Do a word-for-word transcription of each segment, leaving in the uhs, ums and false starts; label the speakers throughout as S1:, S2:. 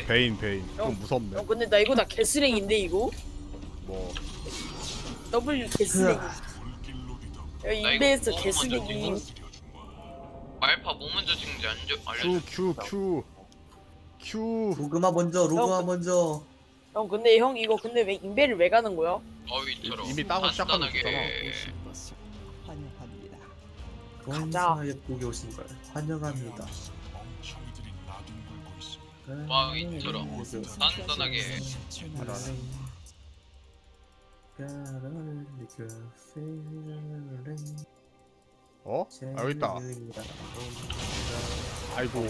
S1: 베인 베인
S2: 형,
S1: 좀 무섭네.
S2: 형 근데 나 이거 나 개쓰레기인데 이거?
S1: 뭐
S2: W 개쓰레기. 야
S3: 나 이거
S2: 인베에서
S3: 뭐
S2: 개쓰레기.
S3: 먼저 찍어? 말파 뭐 먼저 찍는지 안 줘- 알려줘.
S1: Q Q Q Q
S4: 로그마 먼저 로그마
S2: 형,
S4: 먼저.
S2: 형 근데 형 이거 근데 왜 인베를 왜 가는 거야?
S3: 어휘처럼
S1: 이미 따고 시작하면
S3: 간단하게.
S5: 환영합니다.
S4: 동성하게 보기 오신 걸 환영합니다.
S3: 와이처럼 간단하게.
S1: 어? 아 여기 있다. 아이고.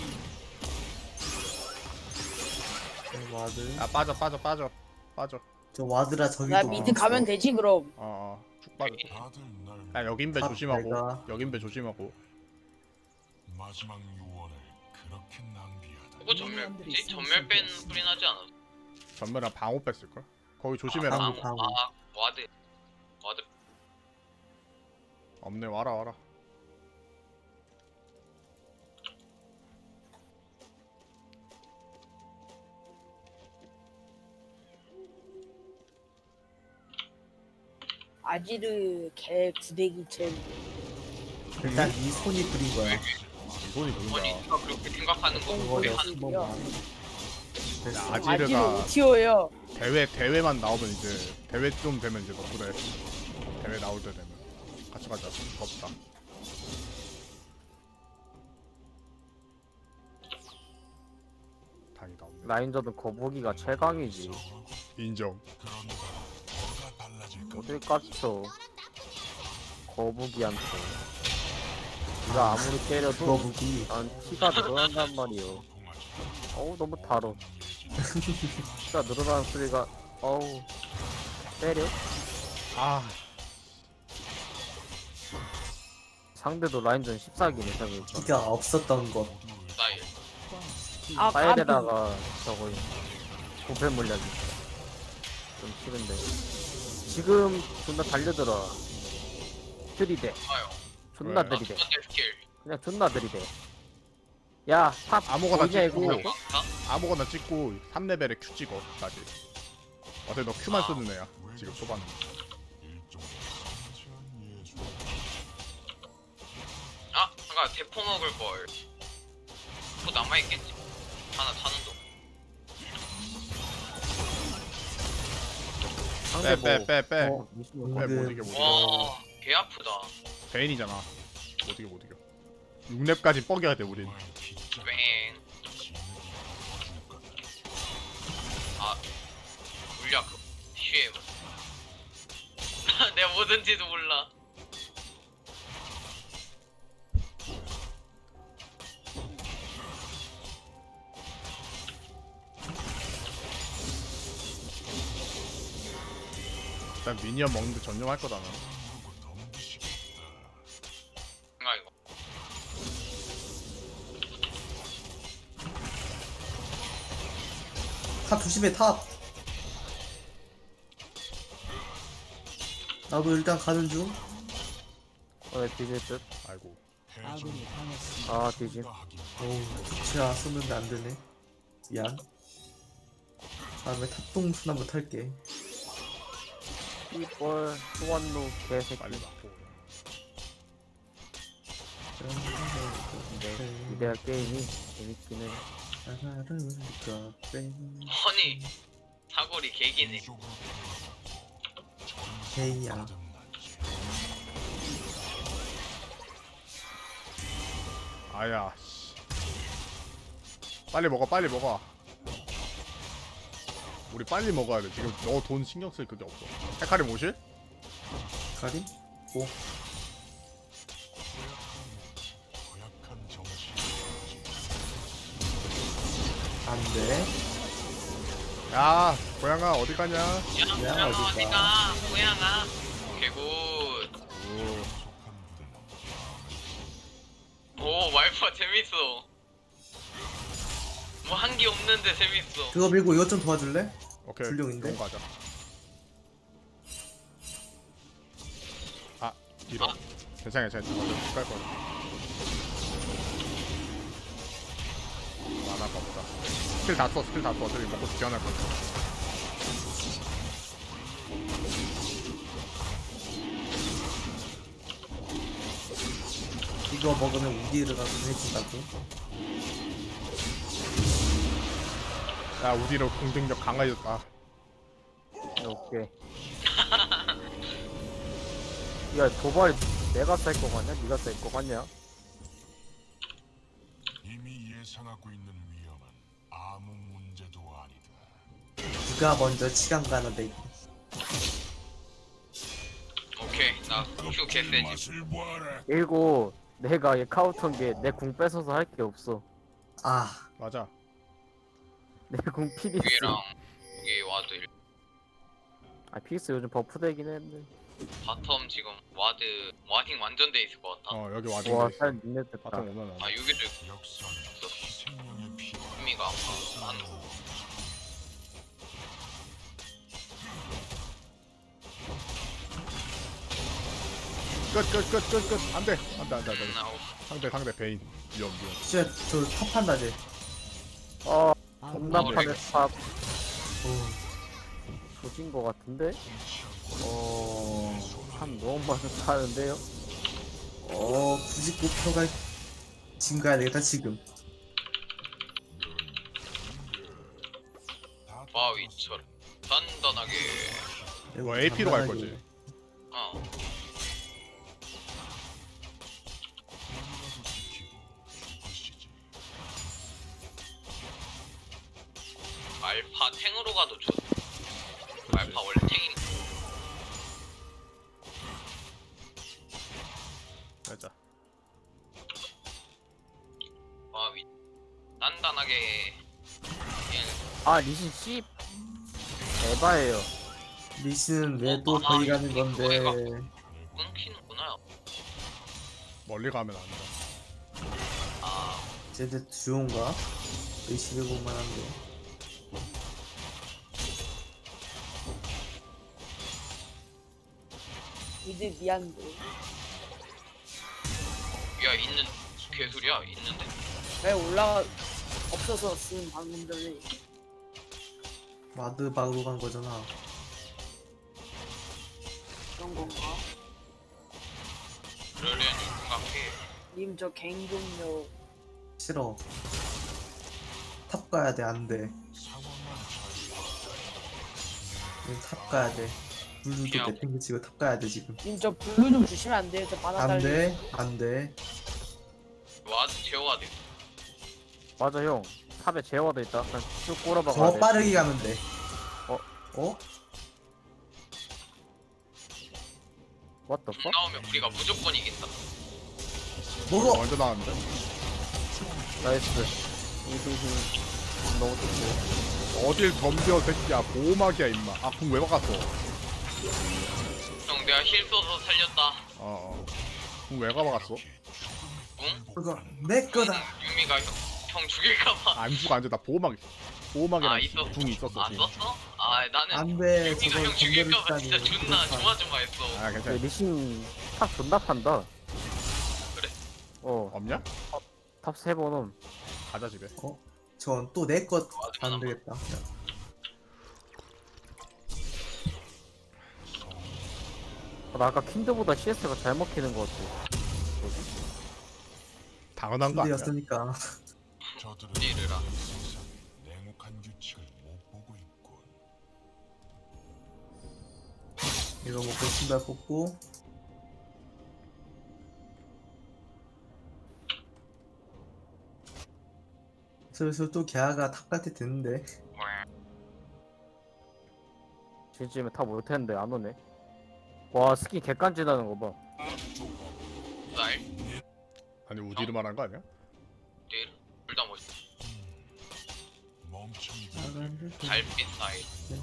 S4: 와드.
S1: 아 빠져 빠져 빠져 빠져.
S4: 저 와드라 저기도.
S2: 나 미드 가면 되지 그럼.
S1: 어쭉 빠져. 야 여긴배
S4: 아,
S1: 조심하고.
S4: 내가.
S1: 여긴배 조심하고.
S6: 마지막 유언을 그렇게 낭비하다.
S3: 그거 전멸 뭐지? 전멸 뺀 소리 나지 않았어?
S1: 전면에 방어 뺐을 걸. 거기 조심해라.
S4: 방어.
S3: 아,
S4: 방어.
S3: 아 와드 와드.
S1: 없네 와라 와라.
S2: 아지르 개 구데기 잼.
S4: 일단 이 손이 그린 거야.
S1: 이 손이
S3: 아니
S1: 보인다.
S3: 누가 그렇게 생각하는 거
S2: 어,
S3: 우리
S4: 그거를
S3: 하는
S4: 한 번만. 됐어.
S1: 아직-
S2: 아지르
S1: 아지르가-
S2: 오티어예요.
S1: 대회 대회만 나오면 이제 대회 좀 되면 이제 덕분에 대회 나올 때 되면 같이 가자. 없다. 다행이다. 없네.
S7: 라인저는 거북이가 최강이지.
S1: 인정.
S6: 뭐가 달라질까?
S7: 어딜 깝쳐. 거북이한테. 네가 아무리 때려도
S4: 거북이.
S7: 난 피가 늘어난단 말이오. 어우 너무 달어. 피가 늘어나는 소리가 어우 때려?
S1: 아
S7: 상대도 라인전 십사기네 생각해보니까.
S4: 피가 없었던 것.
S3: 스타일.
S2: 아 까비.
S7: 사이드다가 저거 부패 물약이 좀 싫은데 지금 존나 달려들어. 들이대.
S3: 좋아요.
S7: 존나
S1: 왜?
S7: 들이대.
S3: 선대 스킬.
S7: 그냥 존나 들이대. 야, 탑
S1: 아무거나
S7: 보이냐,
S1: 찍고.
S7: 이거?
S3: 강타?
S1: 아무거나 찍고 삼 레벨에 Q 찍어 다시. 어차피 너 Q만 쓰는 애야 지금 초반에.
S6: 일종의 성취한 예술.
S3: 아 잠깐 대포 먹을 걸. 또 남아 있겠지. 하나 타는 동.
S7: 상대 뭐
S1: 빼 빼 빼.
S4: 어,
S1: 빼 못 이겨 못 이겨.
S3: 와, 개 아프다.
S1: 베인이잖아. 못 이겨 못 이겨. 육 렙까지 뻐겨야 돼 우린.
S3: 뺑. 아, 물약 쉐임. 내가 뭐든지도 몰라.
S1: 일단 미니언 먹는데 전념할 거다 나.
S3: 생각 이거.
S4: 탑 조심해 탑. 나도 일단 가는 중.
S7: 어, 뒤질 듯.
S1: 아이고.
S5: 아군이 당했습니다.
S7: 아, 뒤질.
S4: 어우 좋지야 쏘는데 안 되네. 미안. 다음에 탑동 순 한번 탈게.
S7: 이뻘 소환로 개새끼.
S1: 빨리 맞고.
S7: 근데 이대할 게임이 재밌긴 해.
S3: 아니, 사거리 개기네.
S4: 헤이야.
S1: 아야. 씨. 빨리 먹어 빨리 먹어. 우리 빨리 먹어야 돼. 지금 너 돈 신경 쓸 그게 없어. 헤카리 모실?
S4: 가리? 오.
S6: 고약한 정신.
S4: 안 돼.
S1: 야 고양아 어디 가냐?
S3: 야, 고양아
S4: 어디가?
S3: 어디가? 고양아. 개굿.
S1: 오.
S3: 오, 말파 재밌어. 뭐 한 게 없는데 재밌어.
S4: 그거 밀고 이것 좀 도와줄래?
S1: 오케이.
S4: 불룡인데?
S1: 그럼 가자. 아 이런. 괜찮아 괜찮아. 먼저 갈 거야. 만화 아까보다. 스킬 다 써, 스킬 다 써. 저기 먹고 지원할 거야.
S4: 이거 먹으면 우디르가 강해진다고?
S1: 야, 우디로 공격력 강화해졌다.
S7: 오케이. 야 도발 내가 쌀 거 같냐? 네가 쌀 거 같냐?
S6: 이미 예상하고 있는 위험은 아무 문제도 아니다.
S4: 누가 먼저 치간 가는데 이거.
S3: 오케이 나 Q 개세지.
S6: 맛을 보아라.
S7: 그리고 내가 얘 카운터인 게 내 궁 뺏어서 할 게 없어.
S4: 아
S1: 맞아.
S7: 내 궁 피닉스.
S3: 위랑 여기 와드 일-
S7: 아 피닉스 요즘 버프되긴 했는데.
S3: 바텀 지금 와드 와딩 완전 돼 있을 것 같아.
S1: 어, 여기 와드.
S7: 와살 니네 됐다.
S1: 바탕 오면 안
S3: 아
S1: 돼.
S3: 여기도
S6: 역사는 생명의 피.
S3: 의미가 안
S1: 끝, 끝, 끝, 끝, 끝. 안 돼. 안 돼, 안 돼, 안 돼.
S3: 나오고.
S1: 상대, 상대 베인. 위험, 위험.
S4: 진짜 저 탑한다 쟤.
S7: 어
S5: 아군이
S7: 존나
S3: 어,
S7: 파네 탑.
S4: 오.
S7: 조진 거 같은데? 어한 너무 많이 타는데요?
S4: 어 굳이 목표가 지금 가야 되겠다 지금.
S3: 바위처럼 단단하게.
S1: 이거 에이피로 갈 거지.
S3: 어. 알파 탱으로 가도 좋. 알파 원래 탱이.
S1: 맞아.
S3: 바위 단단하게.
S7: 아 리신 씨 에바예요.
S4: 리신은 왜도
S3: 어,
S4: 거기
S3: 아,
S4: 가는
S3: 이거
S4: 건데.
S3: 이거. 끊기는구나.
S1: 멀리 가면 안 돼.
S3: 아
S4: 쟤들 듀오인가? 의식해볼만 한데.
S2: 미드 미안도.
S3: 야 있는 개소리야 있는데.
S2: 왜 올라가 없어서 쓴 방금 전에.
S4: 와드 박으러 간 거잖아.
S2: 그런 건가?
S3: 그러려니 생각해.
S2: 님 저 갱종료
S4: 싫어. 탑 가야 돼, 안 돼.
S6: 상황만
S4: 우리 탑 가야 돼. 블루도
S3: 그냥-
S4: 내팽개치고 탑 가야 돼, 지금.
S2: 님 저 블루 좀 주시면 안 돼요? 저 바다
S4: 안
S2: 달리.
S4: 돼, 안 돼.
S3: 와드 제어와드.
S7: 맞아 형. 탑에 제어도 있다. 그냥 쭉 꼬라박아.
S4: 더 빠르게 가면 돼.
S7: 어?
S4: 어?
S7: What the fuck?
S3: 나오면 우리가 무조건 이긴다.
S4: 먹어!
S1: 먼저 나왔는데.
S7: 나이스. 히히히. 너무 좋고.
S1: 어딜 덤벼, 새끼야. 보호막이야, 임마. 아, 궁 왜 박았어?
S3: 형 내가 힐 쏘서 살렸다.
S1: 어, 어. 궁 왜 박았어?
S3: 응?
S4: 그거 내 거다.
S3: 유미가 형, 형 죽일까봐.
S1: 안 죽어, 안 죽어. 나 보호막, 보호막이랑
S3: 아 있었어?
S1: 궁이 있었어.
S3: 안
S1: 지금.
S3: 썼어? 아 나는
S4: 안 돼,
S3: 유미가
S4: 저걸
S3: 형 죽일까봐
S4: 건드리다니.
S3: 진짜 존나
S4: 그렇다.
S3: 조마조마했어.
S1: 아,
S7: 야,
S1: 괜찮아.
S7: 리신 탑 존나 판다.
S3: 그래?
S7: 어,
S1: 없냐?
S7: 탑 세 번은.
S1: 가자, 집에.
S4: 저건 또 내 것
S3: 와드만
S4: 안
S3: 한 번.
S4: 되겠다.
S7: 아, 나 아까 킨드보다 씨에스가 잘 먹히는 것 같아.
S1: 당연한 거 아니야?
S4: 근데였으니까.
S6: 저들은
S3: 이르라.
S6: 세상 냉혹한 규칙을 못 보고 있군.
S4: 이거 먹고 신발 뽑고. 슬슬 또 걔가 탑 갈 때 됐는데.
S7: 지금쯤에 탑 올 텐데 안 오네. 와 스킨 개간지나는 거 봐.
S3: 날
S1: 아니, 우디를 말한 거 아니야?
S3: 둘다 멋있어.
S6: 멍청이들
S3: 달빛 사이.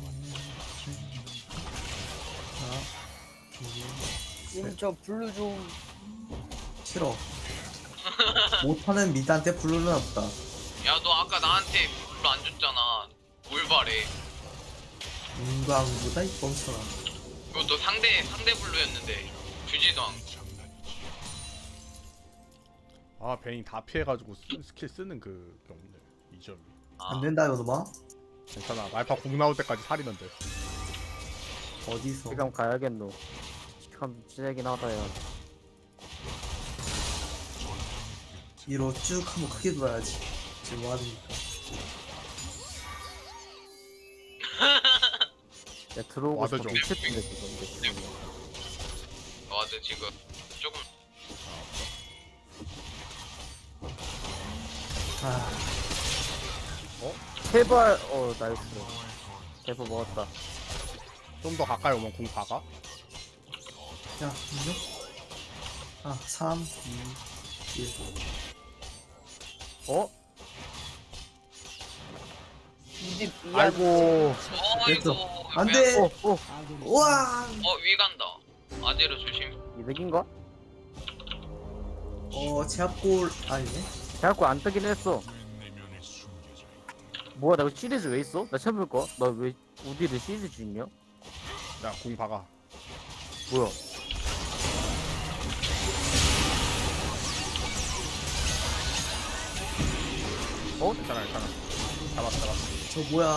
S2: 님 저 블루 좀.
S4: 싫어. 못하는 미드한테 블루는 없다.
S3: 야 너 아까 나한테 별로 안 줬잖아. 뭘 바래?
S4: 인광보다 이 뻥쳐라.
S3: 그것도 상대 상대 블루였는데 주지도 않고.
S6: 장난이지.
S1: 아, 베인 다 피해가지고 쓰, 스킬 쓰는 그 경우네. 이 점이.
S4: 안 된다 이놈아.
S1: 괜찮아. 말파 공 나올 때까지 살이면 돼.
S4: 어디서?
S7: 지금 가야겠노. 참 진하긴 하다 야.
S4: 위로 쭉 한번 크게 돌아야지. 지금 뭐 하니까.
S7: 야 들어오고
S1: 와드
S7: 싶어.
S1: 좀.
S7: 미쳤던데 지금.
S3: 와드 지금 조금
S4: 아,
S7: 제발. 어 나이스. 대포 먹었다.
S1: 좀 더 가까이 오면 공 박아.
S4: 야, 분명? 아, 삼, 이, 일.
S7: 어?
S2: 이제 미안.
S7: 아이고.
S3: 어이구
S4: 안 돼!
S7: 어 어.
S5: 아군이
S4: 우와!
S3: 어위 간다. 아재로 조심.
S7: 이득인가?
S4: 어, 제압골 아니네?
S7: 자꾸 안 뜨긴 했어.
S6: 내면에 숨겨져 있다.
S7: 뭐야 나 이거 시리즈 왜 있어? 나 처음 볼 거야. 나 왜 우디를 시리즈 있냐?
S1: 야, 공 박아.
S7: 뭐야?
S1: 어? 괜찮아, 괜찮아. 잡았어, 잡았어.
S4: 저 뭐야.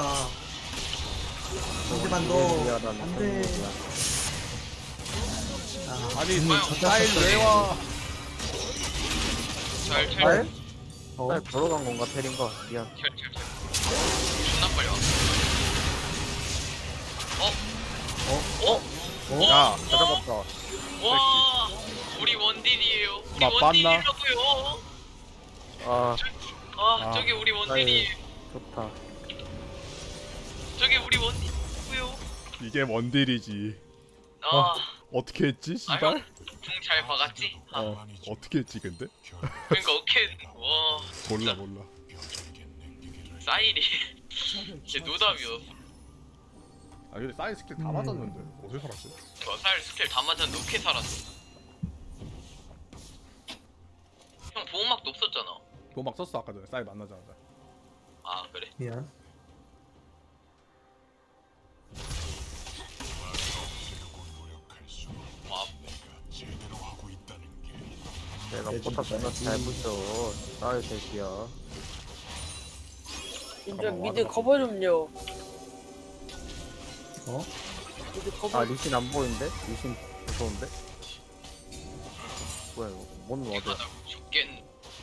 S4: 한 대만 더. 안 돼. 아,
S1: 아니,
S4: 분명
S1: 사일 왜 와?
S3: 잘 찰.
S4: 알? 어,
S7: 나 걸어간 건가 테린가? 미안.
S3: 찰, 찰, 찰. 존나 빨리 와. 어? 어? 어?
S1: 야,
S7: 다 잡았다.
S3: 와! 우리 원딜이에요. 우리
S1: 나 빤나?
S3: 원딜이라고요.
S7: 아
S3: 아,
S1: 아.
S3: 저기 우리 원딜이에요.
S7: 좋다.
S3: 저기 우리 원딜이고요.
S1: 이게 원딜이지.
S3: 아,
S1: 어떻게 했지,
S3: 아
S1: 씨발?
S3: 형, 궁잘 박았지? 아,
S7: 어.
S1: 어떻게 했지, 근데?
S3: 그러니까 오케이. 와,
S1: 몰라, 몰라.
S3: 사일이
S5: 적을
S3: 진짜
S5: 처치했습니다.
S3: 노답이었어.
S1: 아, 근데 사일 스킬 다 맞았는데. 어디서 살았지?
S3: 저 사일 스킬 다 맞았는데 어떻게 살았어? 형 보호막도 없었잖아.
S1: 그거 막 썼어, 아까 전에. 사일 만나자마자.
S3: 아 그래?
S4: 미안.
S6: 없애려고 노력할수록
S3: 와,
S6: 내가 제대로 하고 있다는 게
S7: 내가
S4: 내
S7: 포탑
S4: 좀
S7: 존나 잘 붙여. 나의 새끼야.
S2: 진짜 미드 커버 좀요.
S4: 어?
S2: 미드 커버.
S7: 아 리신 안 보이는데? 리신 무서운데? 뭐야 이거? 뭔 와드?
S3: 내가 나 죽겠.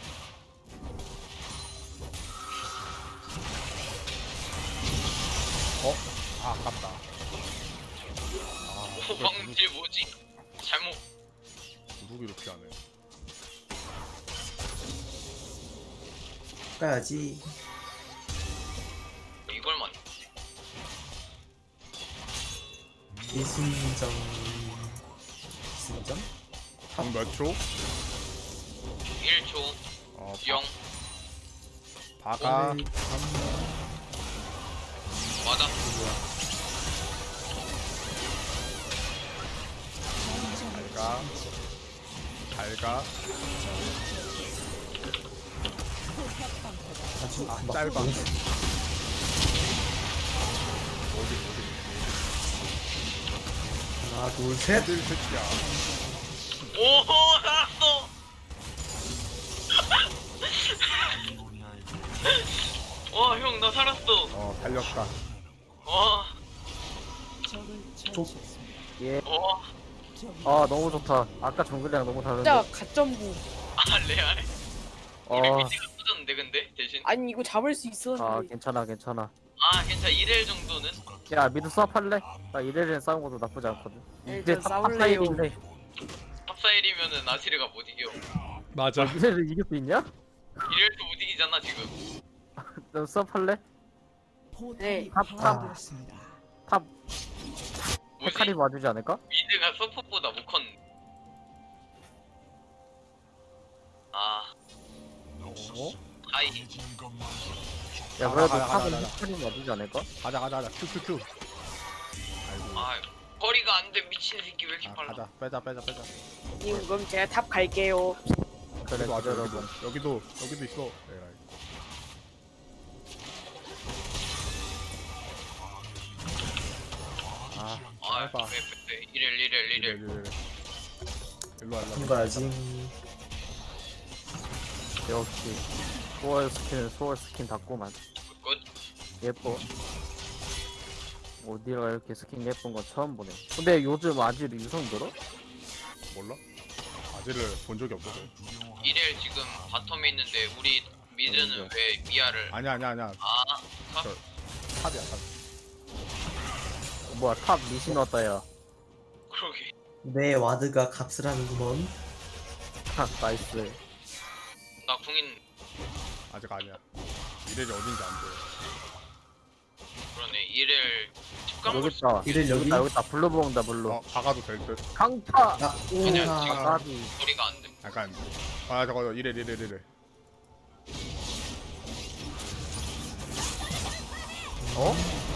S1: 아, 아깝다.
S3: 오방질 뭐지? 잘못.
S1: 누구 이렇게 하네.
S4: 까야지.
S3: 이걸만.
S4: 이순정. 이순정?
S1: 공 몇 초?
S3: 일 초.
S1: 어,
S3: 영.
S1: 박아.
S4: 오늘
S3: 맞아.
S1: 잘가. 잘가.
S4: 아주
S1: 아,
S4: 막
S1: 짧아.
S4: 너무-
S1: 어디, 어디.
S4: 하나, 둘, 셋.
S1: 어딜 새끼야.
S3: 오, 살았어. 와, 형, 나 살았어.
S1: 어, 달렸다.
S3: 와,
S5: 적을 처치했습니다.
S7: 예.
S3: 와,
S5: 적이
S7: 아 너무 좋다. 아까 정글이랑 너무 다른데.
S2: 진짜 가점부.
S3: 아, 레알. 우리
S7: 아,
S3: 미드가 터졌는데, 근데 대신.
S2: 아니 이거 잡을 수
S7: 아
S2: 있었는데.
S7: 괜찮아 괜찮아.
S3: 아, 괜찮아. 일 일 정도는.
S7: 야 미드 수업할래? 나 이래리엔 싸운 것도 나쁘지 않거든.
S2: 네,
S7: 이제
S2: 저 싸울래요.
S7: 탑사일인데
S3: 탑사일이면은 아시르가 못 이겨.
S1: 맞아.
S7: 이래를 이길 수 있냐?
S3: 이럴도 못 이기잖아, 지금.
S7: 너 수업할래?
S5: 포탑이
S2: 네.
S5: 파괴되었습니다.
S7: 탑
S3: 뭐지?
S7: 헤카리 봐주지 않을까?
S3: 미드가 서폿보다 못 컸. 아,
S1: 어?
S3: 하이.
S7: 야
S1: 아,
S7: 그래도
S1: 가자, 가자,
S7: 탑은
S1: 가자.
S7: 헤카리 봐주지 않을까?
S1: 가자, 가자, 가자. 큐큐큐. 아이고.
S3: 아, 거리가 안 돼. 미친 새끼 왜 이렇게
S1: 아,
S3: 빨라?
S1: 가자. 빼자, 빼자, 빼자.
S2: 님 그럼 제가 탑 갈게요.
S7: 그래
S1: 여기도 와줘,
S7: 여러분.
S1: 여기도. 여기도, 여기도 있어. 에라이. 아,
S3: 아,
S1: 짧아.
S3: 왜, 왜, 왜, 이럴, 이럴,
S1: 이래,
S3: 이럴.
S1: 이래, 이래. 일로 와, 일로 와.
S4: 한 가야지.
S7: 역시 소월 스킨 소월 스킨 닫고만
S3: 끝.
S7: 예뻐. 어디가 이렇게 스킨 예쁜 건 처음 보네. 근데 요즘 아직 유성 들어?
S1: 몰라? 아지를 본 적이 없어서.
S3: 이렐 지금 바텀에 있는데 우리 미드는 왜 미아를
S1: 아니야 아니야 아니야.
S3: 아 탑?
S1: 저 탑이야 탑.
S7: 뭐야 탑 미신 왔다 야.
S3: 그러게.
S4: 내 와드가 값을 하는구먼.
S7: 하 나이스.
S3: 나 궁인
S1: 아직 아니야. 이래지 어딘지 안 보여.
S3: 그러네. 이렐 집간
S7: 여기 있다.
S4: 이를
S7: 여기
S4: 여기?
S7: 있다 여기 있다. 블루 먹는다 블루.
S1: 어 박아도 될 듯.
S7: 강타.
S4: 나
S3: 아니야,
S4: 오나.
S3: 지금.
S7: 아가비.
S3: 소리가 안 돼.
S1: 약간 아 저거 이래 이래 이래 이래.
S7: 어?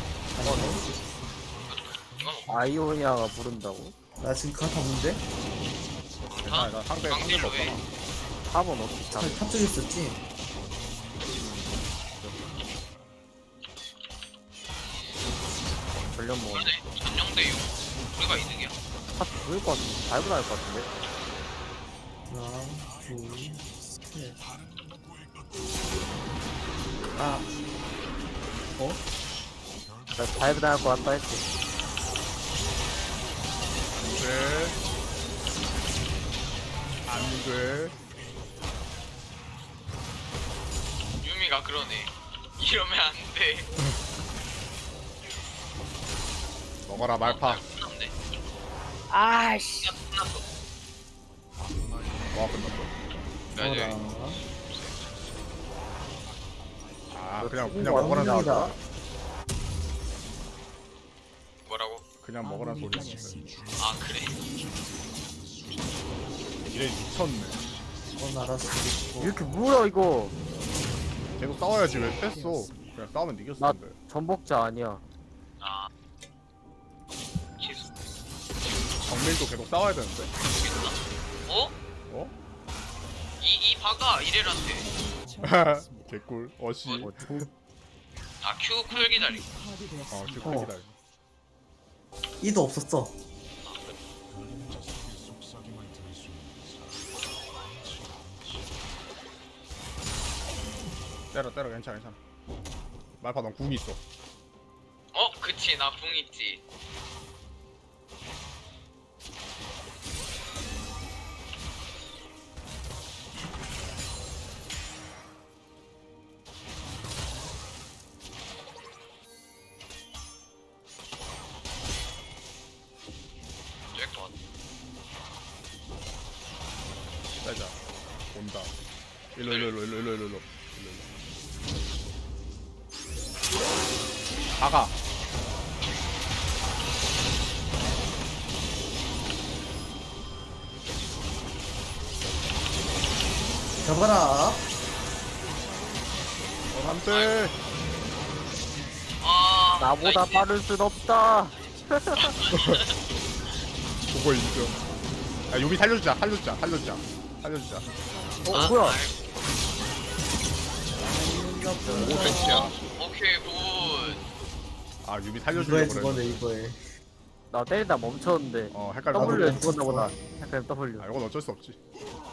S3: 이건 뭐
S7: 아이오니아가 부른다고?
S4: 나 지금 그거 다 뭔데?
S1: 괜찮아 나 상대 상대가
S3: 강딜로 해.
S1: 없잖아.
S7: 탑은 어떻게 탑?
S4: 탑 쪽에 있었지?
S7: 전력 먹었네.
S3: 그러네. 전용대용. 우리가 이득이야.
S7: 탑 죽을 것 같은데. 달고 나올 것 같은데.
S4: 하나, 둘, 셋. 아. 어?
S7: 나 다이브 나올 것 같다 했지.
S1: 돼. 안 돼.
S3: 유미가 그러네. 이러면 안 돼.
S1: 먹어라 말파.
S3: 끝났네.
S2: 아씨.
S3: 야, 끝났어.
S1: 와 끝났어.
S3: 그래가지고
S4: 뭐라.
S1: 아 그냥
S7: 이거
S1: 그냥 먹으란 소리.
S4: 왕이다.
S3: 뭐라고?
S1: 그냥 먹으란
S5: 아군이
S1: 소리.
S5: 당했습니다.
S3: 아 그래?
S1: 이래 미쳤네.
S4: 넌 알았어.
S7: 이렇게 뭐야 이거?
S1: 계속 싸워야지 왜 뺐어? 그냥 싸우면 이겼을
S7: 나-
S1: 텐데.
S7: 전복자 아니야.
S3: 아 취소.
S1: 정밀도 계속 싸워야 되는데.
S3: 모르겠다. 어?
S1: 어?
S3: 이, 이 바가 이렐한테.
S5: 처치했습니다.
S1: 개꿀. 어시.
S7: 어, 총-
S3: 아 Q 쿨 기다리.
S1: 어
S5: 파괴되었습니다.
S1: 큐
S4: 어.
S1: 기다려.
S4: 이도 없었어.
S6: 그림자 속의 속삭임을 들을 수 있는 사람 많지 않지.
S1: 때려 때려 괜찮아 괜찮아. 말파 넌 궁이 있어.
S3: 어 그치 나 궁 있지. 쬐것 같아.
S1: 빼자. 온다. 일로 일로 일로 일로 일로 일로 일로. 일로. 가가.
S4: 잡아라.
S1: 어, 안돼.
S3: 아
S7: 나보다
S3: 나
S7: 빠를 순 없다.
S1: 그거 인정. 야 유미 살려주자 살려주자 살려주자 살려주자.
S3: 이제-
S7: 어
S3: 아,
S7: 뭐야?
S3: 아이고.
S1: 오 백시야.
S3: 오케이 굿.
S1: 아 유미
S4: 이거에
S1: 살려주려고
S4: 죽었네
S1: 그래.
S4: 이거에.
S7: 나 때리다 멈췄는데.
S1: 어 헷갈려.
S7: W에
S4: 나도
S7: 죽었나 보다.
S4: 멈췄어.
S7: 약간 W.
S1: 아 이건 어쩔 수 없지.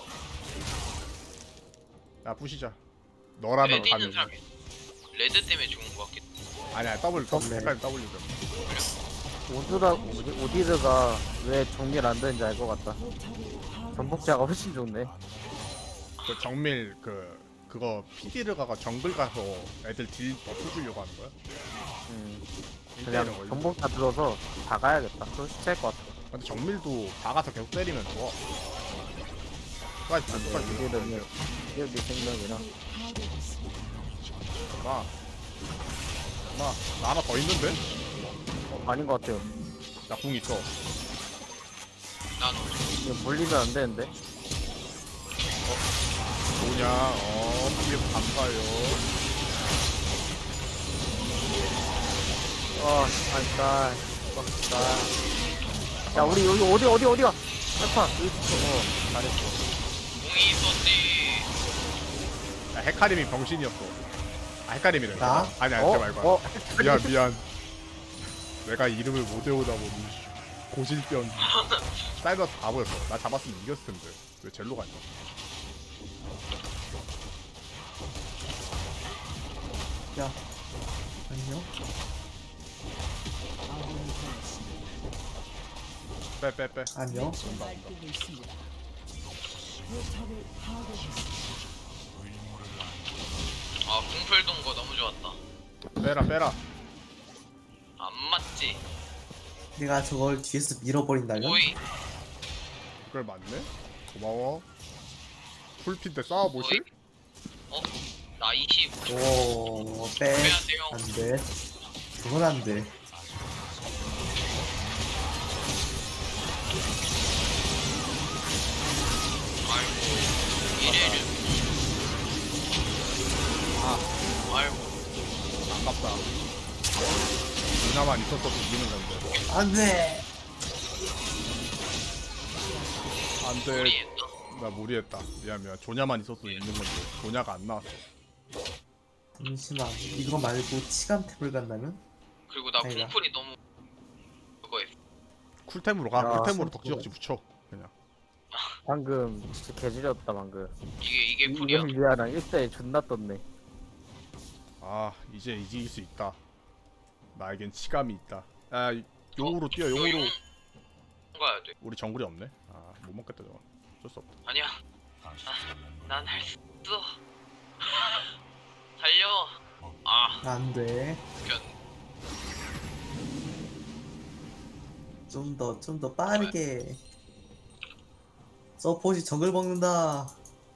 S1: 야 부시자. 너라면
S3: 레드 있는
S1: 가능.
S3: 사람이 레드 때문에 죽은 것 같겠다.
S1: 아니야 더블 더블
S4: 네.
S1: 헷갈려 W 좀.
S7: 오드라 오디, 오디드가 왜 정밀 안 되는지 알 것 같다.
S5: 포탑을 파괴-
S7: 전복자가 훨씬 좋네.
S1: 그 정밀 그 그거 피디를 가가 정글 가서 애들 딜 버프 주려고 하는 거야?
S7: 음,
S1: 일대일은
S7: 그냥
S1: 원래.
S7: 전복자 들어서 박아야겠다. 그럼 시체일 것 같아.
S1: 근데 정밀도 박아서 계속 때리면 좋아. 끝까지 다 끝까지.
S7: 오디드는 기억이 생명이라.
S5: 파괴됐습니다.
S1: 나. 나, 나 하나 더 있는데?
S7: 어, 아닌 것 같아요.
S1: 나 궁 있어.
S3: 난
S7: 이거 물리면 안 되는데.
S1: 뭐냐? 어, 피해 감사해요.
S7: 어, 아까, 아까. 야, 우리 여기 어디 어디 어디가? 알파 여기 있어. 어, 잘했어.
S3: 궁이 있었지.
S1: 야, 헤카림이 병신이었어. 아, 헤카림이래.
S4: 나?
S1: 아니, 아니,
S7: 어,
S1: 쟤 말고.
S7: 어,
S1: 미안, 미안. 내가 이름을 못 외우다 보니 고질병. 사이버 다 보였어. 나 잡았으면 이겼을 텐데. 왜 젤로가 있냐?
S4: 야 안녕.
S5: 아군이 되었습니다.
S1: 빼 빼 빼.
S4: 안녕.
S5: 날뛰고 있습니다. 포탑을 파괴했습니다.
S3: 아 궁풀 돈거 너무 좋았다.
S1: 빼라 빼라.
S3: 안 맞지?
S4: 내가 저걸 뒤에서 밀어버린다면?
S3: 오이
S1: 그걸 맞네. 고마워. 풀핀 때 싸워보실?
S3: 어? 나 이십
S4: 오, 빼.
S3: 빼야 돼요.
S4: 안 돼. 그건 안 돼.
S3: 아이고 이래를
S1: 아
S3: 아이고
S1: 아깝다. 누나만 있었어도 이기는 건데.
S4: 안 돼.
S1: 안돼.
S3: 무리했다.
S1: 나 무리했다. 미안 미안. 조냐만 있었어도 있는 건데. 조냐가 안 나왔어.
S4: 잠시만. 이거 말고 치감템을 간다면?
S3: 그리고 나
S4: 아니다.
S3: 궁풀이 너무 그거 했어.
S1: 쿨템으로 가.
S4: 야,
S1: 쿨템으로
S4: 손
S1: 덕지덕지 붙여. 그냥.
S7: 방금 진짜 개지렸다 방금.
S3: 이게 이게 풀이야.
S7: 이걸 미안한 일대에 존나 떴네.
S1: 아 이제 이길 수 있다. 나에겐 치감이 있다. 아 용으로 뛰어. 용으로.
S3: 가야 돼.
S1: 우리 정글이 없네. 아 못 먹겠다 저거. 어쩔 수 없다.
S3: 아니야.
S6: 다시 잘난 건
S3: 난 할 수 있어. 달려. 아
S4: 안 돼.
S3: 견.
S4: 좀 더, 좀 더 빠르게. 서폿이 정글 먹는다.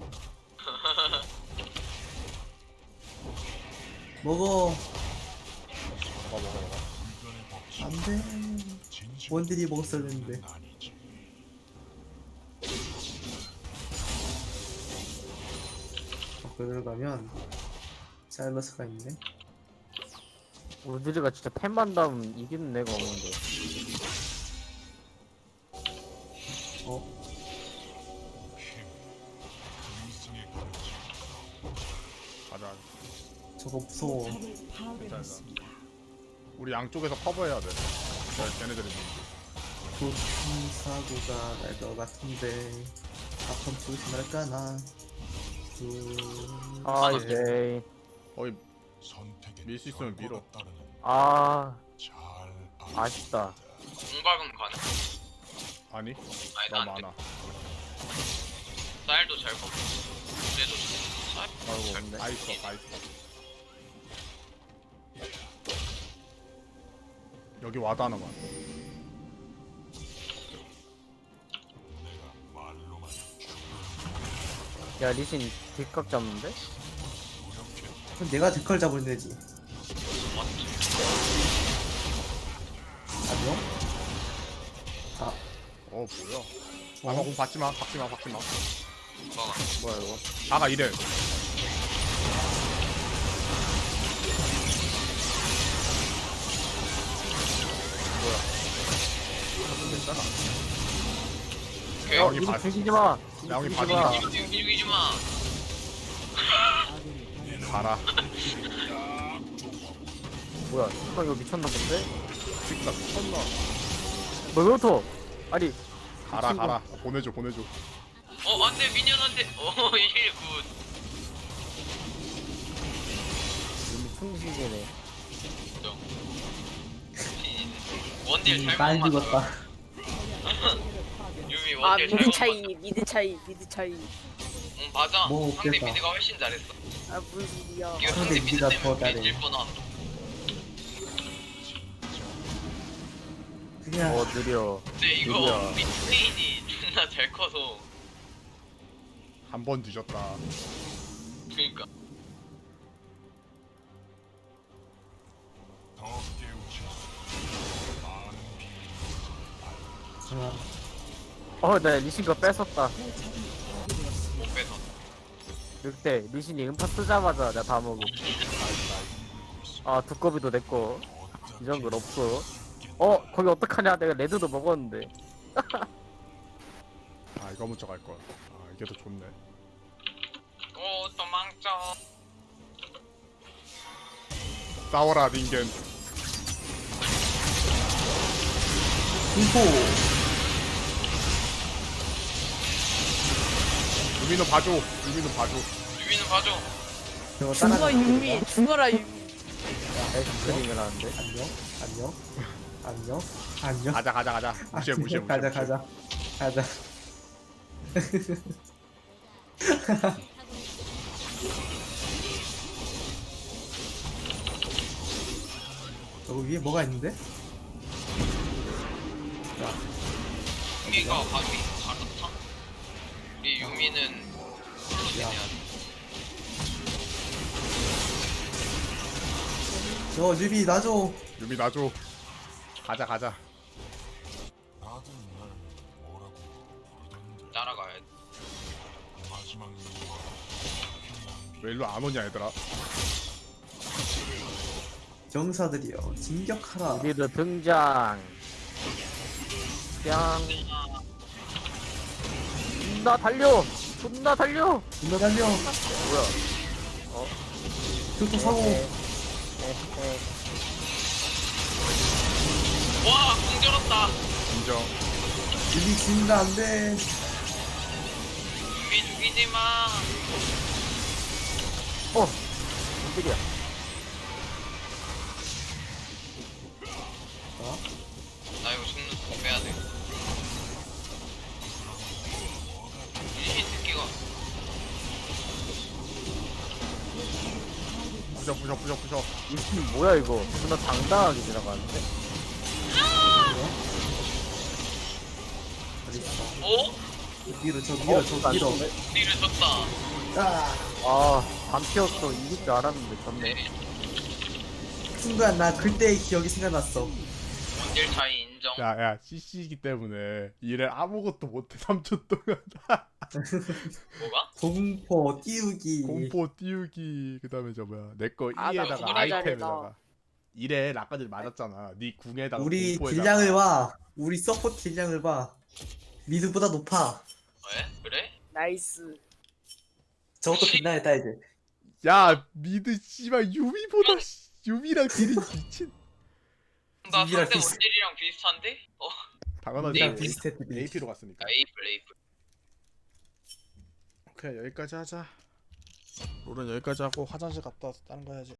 S4: 먹어.
S1: 먹어 먹어 먹어.
S6: 불변의 법칙
S4: 안 돼.
S6: 진실
S4: 원딜이 먹었어야 했는데.
S6: 아니지.
S4: 거기로 가면 사일러스가 있네.
S7: 우드리가 진짜 템만 담으면 이기는 애가 없는데.
S4: 어?
S6: 일성의 가르침
S1: 가자.
S4: 저거 무서워.
S5: 포탑을 파괴했습니다.
S1: 우리 양쪽에서 커버해야 돼. 쟤- 쟤네들이 있는지.
S4: 교통사고가 날 것 같은데 아픈 조심할까나. 둘,
S7: 아
S4: 셋.
S7: 이제
S1: 거의
S6: 선택의
S1: 밀수 있으면 밀어.
S6: 결과가 따르는
S7: 아
S6: 잘
S7: 아쉽다.
S3: 공박은 가능.
S1: 아니
S3: 아니
S1: 너무
S3: 나안 돼.
S1: 많아.
S3: 쌀도 잘 먹고. 그래도 쌀.
S7: 아이고 없네.
S1: 다 있어 다 있어. 여기 와드 하나만.
S6: 내가 말로만
S7: 야 리신 뒷각 잡는데?
S4: 그럼 내가 뒷걸 잡으면 되지.
S3: 맞지.
S4: 안녕? 아,
S1: 어 뭐야? 아마 공 받지 마. 받지 마. 받지 마.
S3: 공박은.
S7: 뭐야 이거?
S1: 아가 이래.
S4: 괜찮아.
S3: 오케이.
S1: 야, 여기
S7: 이거
S1: 봐.
S7: 죽이지 마.
S1: 야, 여기
S7: 죽이지
S1: 봐줘.
S7: 마.
S3: 이거 죽이지 마.
S1: 가라.
S7: 뭐야? 형 이거 미쳤나 본데?
S1: 진짜 미쳤나?
S7: 뭐 이거부터? 아니
S1: 가라
S7: 친구.
S1: 가라. 보내줘 보내줘.
S3: 어 안돼 미니언한테. 어 일 굿.
S7: 이미 충식이네.
S3: 원딜
S4: 음,
S3: 잘못
S4: 많이
S3: 맞춰.
S4: 죽었다.
S3: 유미
S2: 아
S3: 원딜
S2: 미드
S3: 잘못
S2: 차이
S3: 맞춰.
S2: 미드 차이 미드 차이.
S3: 응 맞아.
S4: 뭐
S3: 상대
S4: 없겠다.
S3: 미드가 훨씬 잘했어.
S2: 아 무슨 소리야.
S3: 이거
S4: 상대
S3: 상대 미드
S4: 미드가 더
S3: 때문에
S4: 잘해.
S3: 우리 질 뻔함.
S4: 그냥
S7: 어 느려.
S3: 근데 이거
S7: 드디어.
S3: 우리 트레인이 존나 잘 커서.
S1: 한 번 뒤졌다.
S3: 그니까.
S6: 더 깨우쳐 많은 비밀을
S4: 그냥
S7: 어나 리신 거 뺏었다.
S3: 못 빼서.
S7: 늑대 리신이 음파 쓰자마자 내가 다 먹음. 아 두꺼비도 내꺼. 이 정도는 없어. 어 거기 어떡하냐? 내가 레드도 먹었는데.
S1: 아 이거 먼저 갈 걸. 아 이게 더 좋네.
S3: 오 도망쳐.
S1: 싸워라 닌겐.
S4: 공포.
S1: 유민호 봐줘. 유민호 봐줘.
S3: 유미는 봐줘.
S4: 저거
S2: 죽어
S4: 따라가는
S2: 유미
S4: 거구나.
S2: 죽어라 유미.
S7: 엑스트림을 하는데.
S4: 안녕 안녕 안녕 안녕.
S1: 가자 가자 가자. 무시해 무시해 무시해.
S4: 가자
S1: 무시해.
S4: 가자 가자. 저거 위에 뭐가 있는데?
S3: 유미가 감히 갈아타? 우리 유미는
S4: 야.
S3: 해야 돼.
S4: 저 뉴비 놔줘.
S1: 유미 놔줘. 가자 가자.
S6: 다들 날 뭐라고 부르던데
S3: 따라가야 돼.
S6: 마지막 이유와
S1: 왜 일로 안 오냐 얘들아.
S4: 정사들이여 진격하라.
S7: 우리도 등장. 짱. 존나 달려. 존나 달려.
S4: 분노 달려.
S7: 뭐야?
S4: 교토 사고.
S7: 에헤.
S3: 와, 공절었다.
S1: 인정.
S4: 뉴비 진다 안돼.
S3: 유미 죽이지 마.
S7: 어. 깜짝이야.
S3: 나 이거 죽는 거 빼야 돼. 이신 새끼가
S1: 부셔 부셔 부셔 부셔.
S7: 이팀 뭐야 이거? 존나 당당하게 지나가는데?
S3: 어?
S4: 밀어 저 밀어 저 밀어.
S3: 우리를 졌다.
S4: 아
S7: 아, 반피였어. 이길 줄 알았는데 졌네.
S3: 네.
S4: 순간 나 그때의 기억이 생각났어.
S3: 원딜 차이 인정.
S1: 야야 씨씨이기 때문에 일을 아무것도 못해 삼 초 동안.
S3: 뭐가?
S4: 공포 띄우기.
S1: 공포 띄우기 그다음에 저 뭐야 내 거
S2: 아, 나
S1: 이에다가
S2: 그거
S1: 아이템에다가 이래 아까전에 맞았잖아. 네 궁에다가
S4: 우리
S1: 공포에다가.
S4: 딜량을 봐. 우리 서포트 딜량을 봐. 미드보다 높아.
S3: 왜? 그래?
S2: 나이스.
S4: 저것도 빛나야 따야지.
S1: 야 미드 씨발 유미보다 씨, 유미랑 딜이 미친.
S3: 나
S4: 유미랑
S3: 상대
S4: 비슷-
S3: 원딜이랑 비슷한데? 어?
S1: 당연하지.
S4: 우리랑
S3: 네.
S4: 비슷했지.
S1: 에이피로 갔으니까.
S3: 아, 에이플 에이플.
S1: 오케이 여기까지 하자. 롤은 여기까지 하고 화장실 갔다 와서 다른 거 해야지.